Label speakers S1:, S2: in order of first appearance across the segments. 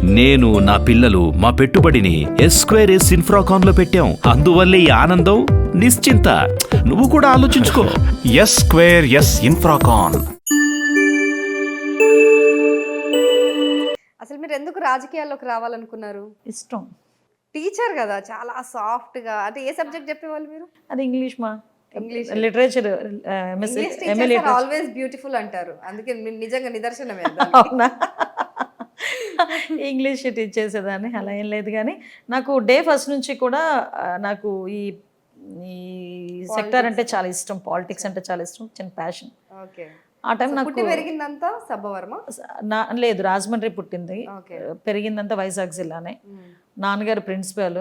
S1: నేను నా పిల్లలు మా పెట్టుబడిని ఎస్2ఎస్ ఇన్ఫ్రాకాన్ లో పెట్టాం. అందువల్లే ఈ ఆనందం నిశ్చింత. నువ్వు కూడా ఆలోచించుకో. ఎస్2ఎస్ ఇన్ఫ్రాకాన్.
S2: అసలు మీరు ఎందుకు రాజకీయాల్లోకి రావాలనుకున్నారు?
S3: ఇష్టం.
S2: టీచర్ కదా, చాలా సాఫ్ట్ గా. అంటే ఏ సబ్జెక్ట్ చెప్పేవాళ్ళు మీరు?
S3: అది ఇంగ్లీష్ మా
S2: ఇంగ్లీష్.
S3: లిటరేచర్
S2: ఆల్వేస్ బ్యూటిఫుల్ అంటారు, అందుకే నిజంగా నిదర్శనమే.
S3: అవునా? ఇంగ్లీష్ టీచ్ చేసేదాన్ని, అలా ఏం లేదు. కానీ నాకు డే ఫస్ట్ నుంచి కూడా నాకు ఈ సెక్టర్ అంటే చాలా ఇష్టం, పాలిటిక్స్ అంటే చాలా ఇష్టం, చిన్న ప్యాషన్.
S2: ఓకే.
S3: ఆ టైం నాకు
S2: పెరిగిందంతా సబ్బవర్మ
S3: లేదు, రాజమండ్రి పుట్టింది, పెరిగిందంతా వైజాగ్ జిల్లానే. నాన్నగారు ప్రిన్సిపల్,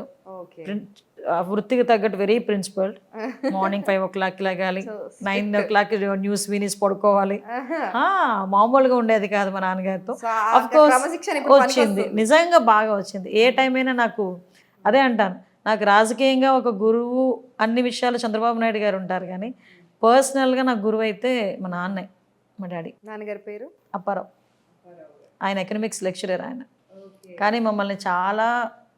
S3: వృత్తికి తగ్గట్టు వెరీ ప్రిన్సిపల్. మార్నింగ్ 5 o'clock లగాలి, 9 o'clock న్యూస్ వినిస్ పడుకోవాలి. మామూలుగా ఉండేది కాదు మా నాన్నగారితో. అఫ్ కోర్స్ వచ్చింది, నిజంగా బాగా వచ్చింది. ఏ టైం అయినా నాకు అదే అంటాను, నాకు రాజకీయంగా ఒక గురువు అన్ని విషయాలు చంద్రబాబు నాయుడు గారు ఉంటారు, కానీ పర్సనల్గా నాకు గురువు అయితే మా నాన్నే, మా డాడీ.
S2: నాన్నగారి పేరు
S3: అప్పారావు. ఆయన ఎకనామిక్స్ లెక్చరర్ ఆయన. కానీ మమ్మల్ని చాలా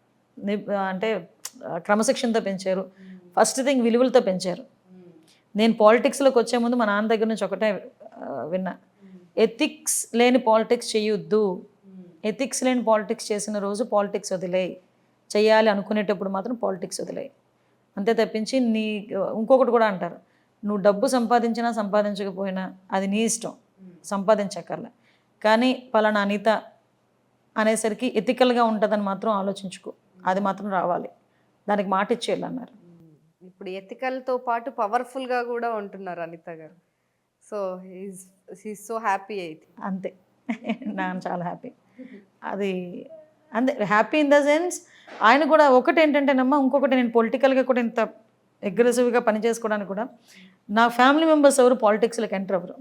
S3: అంటే క్రమశిక్షణతో పెంచారు. ఫస్ట్ థింగ్ విలువలతో పెంచారు. నేను పాలిటిక్స్లోకి వచ్చే ముందు మా నాన్న దగ్గర నుంచి ఒకటే విన్నా, ఎథిక్స్ లేని పాలిటిక్స్ చేయొద్దు. ఎథిక్స్ లేని పాలిటిక్స్ చేసిన రోజు పాలిటిక్స్ వదిలేయి, చేయాలి అనుకునేటప్పుడు మాత్రం పాలిటిక్స్ వదిలేయి, అంతే తప్పించి నీ ఇంకొకటి కూడా అంటారు, నువ్వు డబ్బు సంపాదించినా సంపాదించకపోయినా అది నీ ఇష్టం, సంపాదించక్కర్లే, కానీ పలానా అనిత అనేసరికి ఎథికల్గా ఉంటుందని మాత్రం ఆలోచించుకో, అది మాత్రం రావాలి, దానికి మాట ఇచ్చేయాలి అన్నారు.
S2: ఇప్పుడు ఎథికల్తో పాటు పవర్ఫుల్గా కూడా ఉంటున్నారు అనిత గారు. సో హీస్ సో హ్యాపీ అయితే.
S3: అంతే, నేను చాలా హ్యాపీ. అది అంతే, హ్యాపీ ఇన్ ద సెన్స్ ఆయన కూడా. ఒకటి ఏంటంటేనమ్మా, ఇంకొకటి నేను పొలిటికల్గా కూడా ఇంత అగ్రెసివ్గా పనిచేసుకోవడానికి కూడా నా ఫ్యామిలీ మెంబర్స్ ఎవరు పాలిటిక్స్లోకి ఎంటర్ అవ్వరు.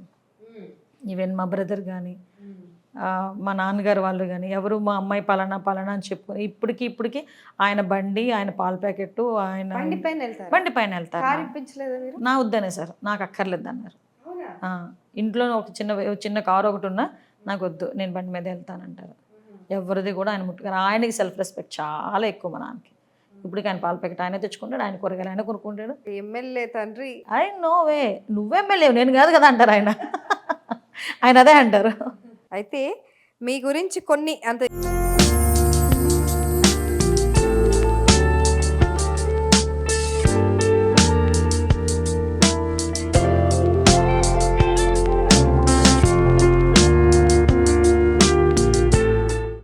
S3: ఈవెన్ మా బ్రదర్ కానీ మా నాన్నగారు వాళ్ళు కానీ ఎవరు మా అమ్మాయి పలానా పలానా అని చెప్పుకొని ఇప్పటికి ఆయన బండి, ఆయన పాల ప్యాకెట్, ఆయన బండి పైన వెళ్తారు. నా వద్దనే సార్, నాకు అక్కర్లేదు అన్నారు. ఇంట్లో ఒక చిన్న కారు ఒకటి ఉన్నా నాకు వద్దు, నేను బండి మీద వెళ్తానంటారు. ఎవరిది కూడా ఆయన ముట్టుగారు. ఆయనకి సెల్ఫ్ రెస్పెక్ట్ చాలా ఎక్కువ మా నాన్నకి. ఇప్పటికి ఆయన పాల ప్యాకెట్ ఆయన తెచ్చుకుంటాడు, ఆయన కూరగాయలు ఆయన కొనుక్కుంటాడు.
S2: ఎమ్మెల్యే తండ్రి.
S3: ఆయన నోవే, నువ్వెమ్మెల్యే నేను కాదు కదా అంటారు ఆయన. ఆయన అదే అంటారు.
S2: అయితే మీ గురించి కొన్ని అంత